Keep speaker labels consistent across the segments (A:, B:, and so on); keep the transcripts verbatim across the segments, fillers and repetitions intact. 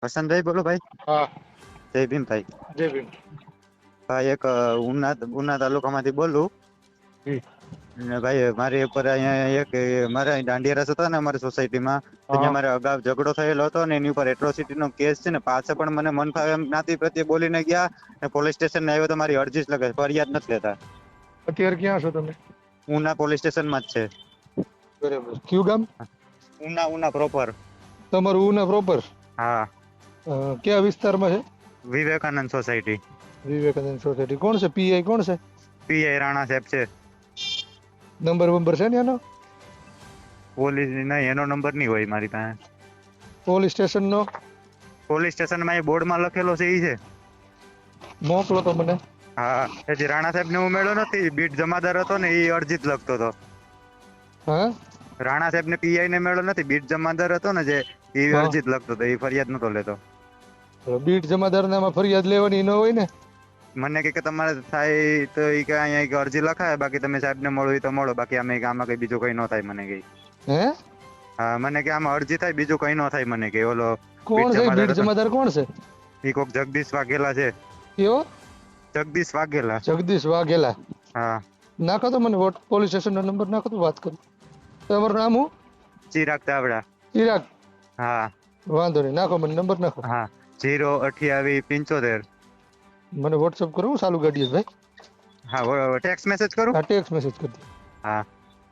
A: વસંતભાઈ બોલો ભાઈ.
B: હા,
A: જય ભીમ ભાઈ.
B: જય ભીમ.
A: ભાઈ એક અ, ઉના ઉના તાલુકામાંથી બોલું.
B: જી.
A: ને ભાઈ મારી ઉપર અહીંયા એક અ, મારા અહીં દાંડિયા રાસ હતા ને અમારી સોસાયટીમાં, ત્યાં
B: હા.
A: મારે અગાઉ ઝઘડો થયેલો હતો ને એની ઉપર એટ્રોસિટી નો કેસ છે ને, પાછા પણ મને મન ફાવે એમ જ્ઞાતિ પ્રત્યે બોલીને ગયા ને પોલીસ સ્ટેશન આવ્યો તો મારી અરજી જ લગે, ફરિયાદ નથી લેતા.
B: અત્યારે ક્યાં છો તમે?
A: ઉના પોલીસ સ્ટેશનમાં જ છે.
B: બરાબર. કયું ગામ?
A: ઉના ઉના પ્રોપર.
B: તમારું ઉના પ્રોપર?
A: હા,
B: કયા વિસ્તારમાં છે?
A: વિવેકાનંદ સોસાયટી.
B: વિવેકાનંદ સોસાયટી. કોણ છે પીઆઈ? કોણ છે?
A: પીઆઈ રાણા સાહેબ છે.
B: નંબર બંબર છે ને એનો?
A: પોલીસ નહીં, એનો નંબર નહીં હોય મારી પાસે.
B: પોલીસ સ્ટેશન નો
A: પોલીસ સ્ટેશનમાં એ બોર્ડમાં લખેલો છે ઈ છે.
B: મોકલો તો મને.
A: હા, હજી રાણા સાહેબ ને હું મેળ્યો નથી. બીટ જમાદાર હતો ને એ અરજી જ લખતો હતો.
B: હા,
A: રાણા સાહેબ ને પીઆઈ ને મેળો નથી. બીટ જમાદાર હતો ને જે, એ
B: હા.
A: અરજી જ લખતો હતો. એ ફરિયાદ નતો લેતો.
B: બીટ જમાદારનામાં ફરિયાદ લેવાની ન હોય ને?
A: મને કે કે તમારે થાય તો ઈ કે અહીંયા એક અરજી લખાય, બાકી તમે સાહેબ ને મળો ઈ તો મળો, બાકી અમે કે આમાં કઈ બીજું કઈ ન થાય. મને કે
B: હે,
A: હા, મને કે આમાં અરજી થાય, બીજું કઈ ન થાય. મને કે ઓલો
B: કોણ છે બીટ જમાદાર? કોણ છે
A: ઈ કોક જગદીશ વાઘેલા છે.
B: કયો?
A: જગદીશ વાઘેલા.
B: જગદીશ વાઘેલા.
A: હા.
B: નાખો તો મને વોટ પોલીસ સ્ટેશન નો નંબર નાખો તો વાત કરું. તમારું નામ હું?
A: ચિરાગ ચાવડા.
B: ચિરાગ.
A: હા.
B: વાંધો નહીં, નાખો મને નંબર નાખો.
A: હા, જીરો અઠ્યાવીસ પંચોતેર.
B: મને વોટ્સઅપ કરો, હું ચાલુ ગાડીએ ભાઈ.
A: હા, ટેક્સ્ટ મેસેજ કરું.
B: હા, ટેક્સ્ટ મેસેજ કરી દો.
A: હા.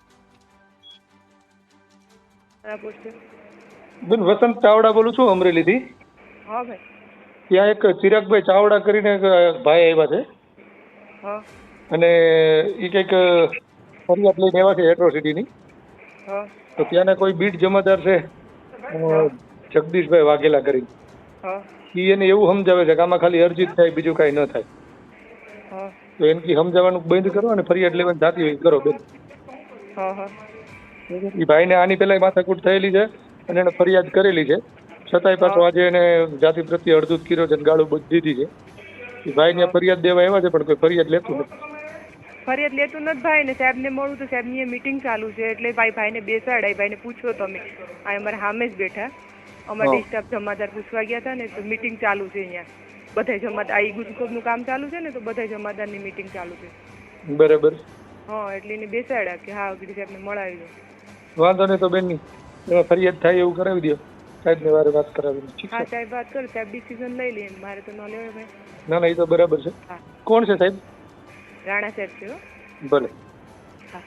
B: બેન વસંત ચાવડા બોલું છું, અમરેલીથી.
C: હા ભાઈ.
B: ત્યાં એક ચિરાગભાઈ ચાવડા કરીને એક ભાઈ આવ્યા છે.
C: હા.
B: અને એ કંઈક ફરિયાદ લઈને આવ્યા છે એટ્રોસિટીની.
C: હા.
B: તો ત્યાંના કોઈ બીટ જમાદાર છે અ, જગદીશભાઈ વાઘેલા કરીને.
C: હા.
B: એ એને એવું સમજાવે છે કે આમાં ખાલી અરજી જ થાય, બીજું કાંઈ ન થાય.
C: હા.
B: તો એનથી સમજાવવાનું બંધ કરો અને ફરિયાદ લેવાની જાતી હોય કરો બેન.
C: હા. હા.
B: એ ભાઈને આની પહેલા માથાકૂટ થયેલી છે અને એને ફરિયાદ કરેલી છે, છતાંય પાછો આજે એને જાતિ પ્રત્યે અડધૂત કર્યો છે અને ગાળું બધી દીધી છે. એ ભાઈને ફરિયાદ દેવા આવ્યા છે પણ કોઈ ફરિયાદ લેતું નથી.
C: ફરિયાદ લેતું નથી ભાઈ ને. સાહેબ ને મળું તો સાહેબ ની મીટિંગ ચાલુ છે એટલે ભાઈ ભાઈ ને બેસાડાય. ભાઈ ને પૂછો તમે, આ અમારે સામે જ બેઠા. અમારે
B: હા.
C: સ્ટાફ જમાદાર પૂછવા ગયા હતા ને તો મીટિંગ ચાલુ છે અહીંયા. બધા જમાદાર આ ગુજકોબ નું કામ ચાલુ છે ને તો બધા જમાદાર ની મીટિંગ ચાલુ છે.
B: બરાબર.
C: હા, એટલે એને બેસાડ્યા કે હા ગીરી સાહેબ ને મળાવી દો.
B: વાંધો નહીં તો બેન ની એમાં ફરિયાદ થાય એવું કરાવી દો. સાહેબ ને વારે વાત કરાવી દો. ઠીક
C: હા
B: છે.
C: સાહેબ વાત કરો, સાહેબ ડિસિઝન લઈ લે. મારે તો ન લેવાય ભાઈ.
B: ના ના એ તો બરાબર છે.
C: હા.
B: કોણ છે સાહેબ?
C: રાણા સાહેબ છે. હો.
B: ભલે.
C: હા.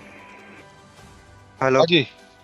A: હેલો.
B: હાજી.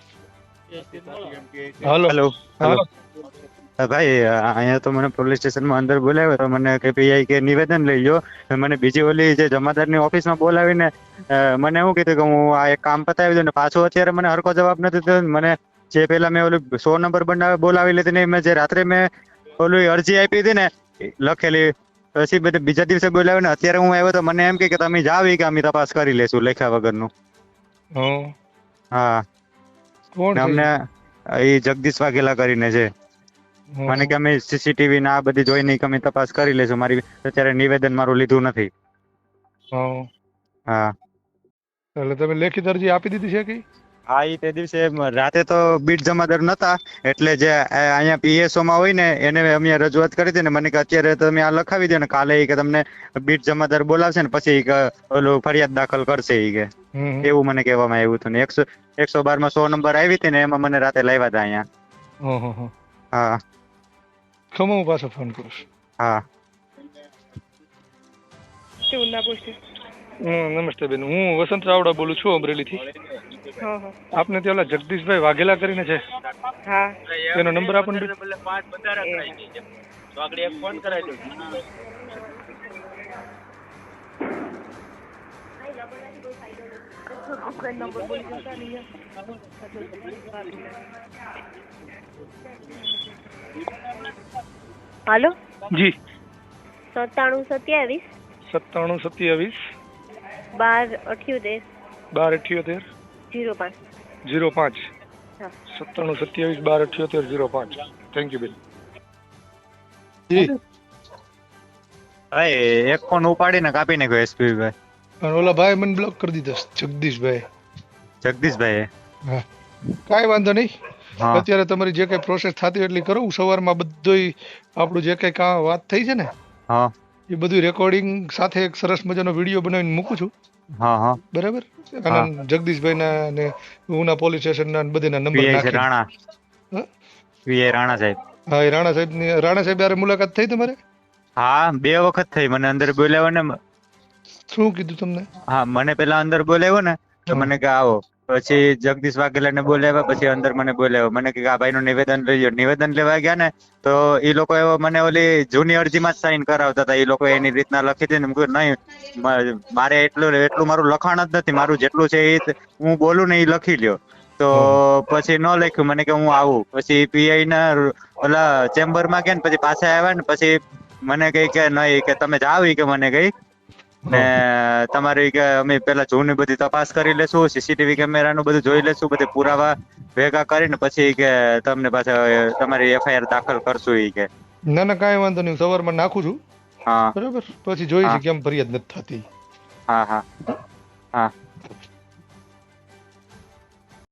B: હાલો.
A: હેલો.
B: હાલો.
A: ભાઈ અહીંયા તો મને પોલીસ સ્ટેશનમાં અંદર બોલાવ્યો તો મને કે પીઆઈ કે નિવેદન લઈ લો. મને બીજી ઓલી જે જમાદારની ઓફિસમાં બોલાવીને અ, મને એવું કીધું કે હું આ એક કામ પતાવી દઉં ને પાછો અત્યારે મને હરખો જવાબ નથી દીધો. મને જે પેલા મેં ઓલું સો નંબર બનાવી બોલાવી લીધી ને મેં જે રાત્રે મેં ઓલી અરજી આપી હતી ને લખેલી, પછી બધે બીજા દિવસે બોલાવીને અત્યારે હું આવ્યો તો મને એમ કે કે તમે જાવ ઈ કે અમે તપાસ કરી લેશું લેખ્યા વગરનું.
B: હા.
A: હા.
B: કોણ
A: ને
B: છે
A: અમને
B: ઈ?
A: એ જગદીશ વાઘેલા કરીને છે.
B: હં.
A: મને કે અમે સીસીટીવી ને આ બધી જોઈને કે અમે તપાસ કરી લેશું. મારી અત્યારે નિવેદન મારું લીધું નથી.
B: હં.
A: હા.
B: એટલે તમે લેખિત અરજી આપી દીધી છે કે?
A: હા, ઈ તે દિવસે રાતે તો બીટ જમાદાર નતા એટલે જે આ- અહીંયા પીએસઓ માં હોય ને એને અમે રજૂઆત કરી હતી ને મને કે અત્યારે તમે આ લખાવી દો ને કાલે ઈ કે તમને બીટ જમાદાર બોલાવશે ને પછી ઈ કે ઓલું ફરિયાદ દાખલ કરશે ઈ કે
B: હમ.
A: એવું મને કહેવામાં આવ્યું હતું. ને એકસો એકસો બાર માં સો નંબર આવી હતી ને એમાં મને રાતે લાવ્યા હતા અહીંયા.
B: હં હં હં.
A: હા.
B: ખમો હું પાછો ફોન કરું છું.
A: હા.
C: શું ના પૂછે?
B: હમ, નમસ્તે બેન. હું વસંત ચાવડા બોલું છું અમરેલીથી.
C: હા. હા.
B: આપને ત્યાં ઓલા જગદીશભાઈ વાઘેલા કરીને છે,
C: હા.
B: એનો નંબર આપો ને બેન.
D: હાલો.
B: જી.
D: સત્તાણું સત્યાવીસ
B: સત્તાણું સત્યાવીસ
D: બાર અઠ્યોતેર
B: બાર અઠ્યોતેર
D: જીરો પાંચ.
B: જીરો પાંચ.
D: હા.
B: સત્તાણું સત્યાવીસ બાર અઠ્યોતેર જીરો પાંચ. થેન્ક યુ બેન. જી.
A: ભાઈ એક ફોન ઉપાડીને કાપી નાખ્યો એસપી ભાઈ.
B: અને ઓલા ભાઈ મને બ્લોક કરી દીધો છે, જગદીશભાઈ.
A: જગદીશભાઈ.
B: હા, કાંઈ વાંધો નહીં.
A: હા
B: અત્યારે તમારી જે કઈ પ્રોસેસ થતી હોય એટલી કરો. હું સવારમાં બધુંય આપણું જે કઈ કા વાત થઈ છે ને
A: હા
B: એ બધું રેકોર્ડિંગ સાથે એક સરસ મજાનો વિડીયો બનાવીને મૂકું છું.
A: હા હા
B: બરાબર.
A: હા
B: અને જગદીશભાઈના ને ઉના પોલીસ સ્ટેશનના ને બધીના નંબર
A: પીઆઈ છે
B: નાખીને.
A: રાણા
B: હા
A: પીઆઈ રાણા સાહેબ.
B: હા, એ રાણા સાહેબની રાણા સાહેબ યારે મુલાકાત થઈ તમારે?
A: હા બે વખત થઈ. મને અંદર બોલાવ્યો ને.
B: શું કીધું તમને?
A: હા મને પેલા અંદર બોલાવ્યો ને તો
B: હા
A: મને કે આવો. પછી જગદીશ વાઘેલાને બોલાવ્યા. પછી અંદર મને બોલાવ્યો. મને કે આ ભાઈનું નિવેદન લઈ લો. નિવેદન લેવા ગયા ને તો એ લોકો એવો મને ઓલી જૂની અરજીમાં જ સાઈન કરાવતા હતા. એ લોકો એની રીતના લખી હતી ને મેં કીધું નહીં મારે એટલું એટલું મારું લખાણ જ નથી. મારું જેટલું છે એ હું બોલું ને એ લખી લ્યો. તો
B: હા
A: પછી ન લખ્યું. મને કે હું આવું. પછી પીઆઈ ના ઓલા ચેમ્બર માં ગયા ને પછી પાછા આવ્યા ને પછી મને કઈ કે નહીં કે તમે જાવ ઈ કે મને કઈ ને
B: હા
A: તમારી કે અમે પેલા જૂની બધી તપાસ કરી લેશું. સીસીટીવી કેમેરાનું બધું જોઈ લેશું. બધી પુરાવા ભેગા કરીને પછી કે તમને પાછા તમારી એફઆઈઆર દાખલ કરશું ઈ કે.
B: ના ના કાંઈ વાંધો નહીં. સવારમાં નાખું છું.
A: હા
B: બરાબર. પછી જોઈ
A: હા
B: છે કેમ ફરિયાદ નથી થતી.
A: હા હા હા